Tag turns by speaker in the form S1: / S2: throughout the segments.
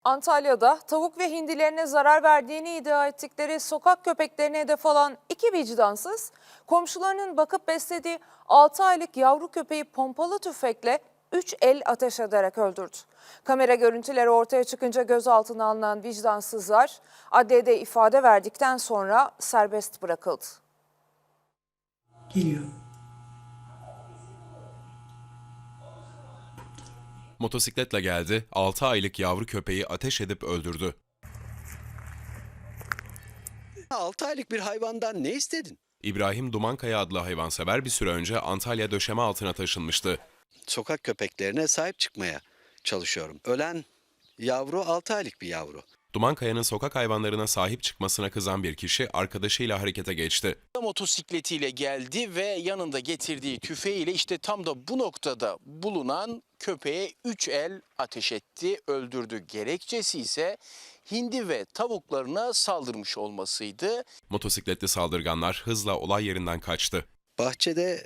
S1: Antalya'da tavuk ve hindilerine zarar verdiğini iddia ettikleri sokak köpeklerine hedef alan iki vicdansız, komşularının bakıp beslediği 6 aylık yavru köpeği pompalı tüfekle 3 el ateş ederek öldürdü. Kamera görüntüleri ortaya çıkınca gözaltına alınan vicdansızlar adliyede ifade verdikten sonra serbest bırakıldı.
S2: Geliyor.
S3: Motosikletle geldi, 6 aylık yavru köpeği ateş edip öldürdü.
S4: 6 aylık bir hayvandan ne istedin?
S3: İbrahim Dumankaya adlı hayvansever bir süre önce Antalya döşeme altına taşınmıştı.
S4: Sokak köpeklerine sahip çıkmaya çalışıyorum. Ölen yavru 6 aylık bir yavru.
S3: Dumankaya'nın sokak hayvanlarına sahip çıkmasına kızan bir kişi arkadaşıyla harekete geçti.
S5: Motosikletiyle geldi ve yanında getirdiği tüfeğiyle işte tam da bu noktada bulunan köpeğe 3 el ateş etti, öldürdü. Gerekçesi ise hindi ve tavuklarına saldırmış olmasıydı.
S3: Motosikletli saldırganlar hızla olay yerinden kaçtı.
S4: Bahçede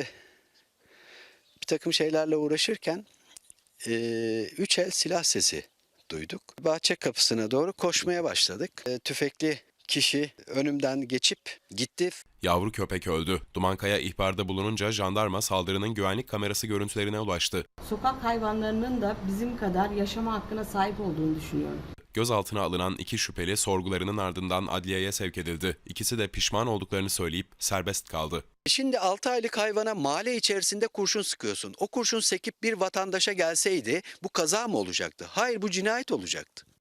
S4: bir takım şeylerle uğraşırken 3 el silah sesi duyduk. Bahçe kapısına doğru koşmaya başladık. Tüfekli kişi önümden geçip gitti.
S3: Yavru köpek öldü. Dumankaya ihbarda bulununca jandarma saldırının güvenlik kamerası görüntülerine ulaştı.
S2: Sokak hayvanlarının da bizim kadar yaşama hakkına sahip olduğunu düşünüyorum.
S3: Gözaltına alınan iki şüpheli sorgularının ardından adliyeye sevk edildi. İkisi de pişman olduklarını söyleyip serbest kaldı.
S4: Şimdi 6 aylık hayvana mahalle içerisinde kurşun sıkıyorsun. O kurşun sekip bir vatandaşa gelseydi bu kaza mı olacaktı? Hayır, bu cinayet olacaktı.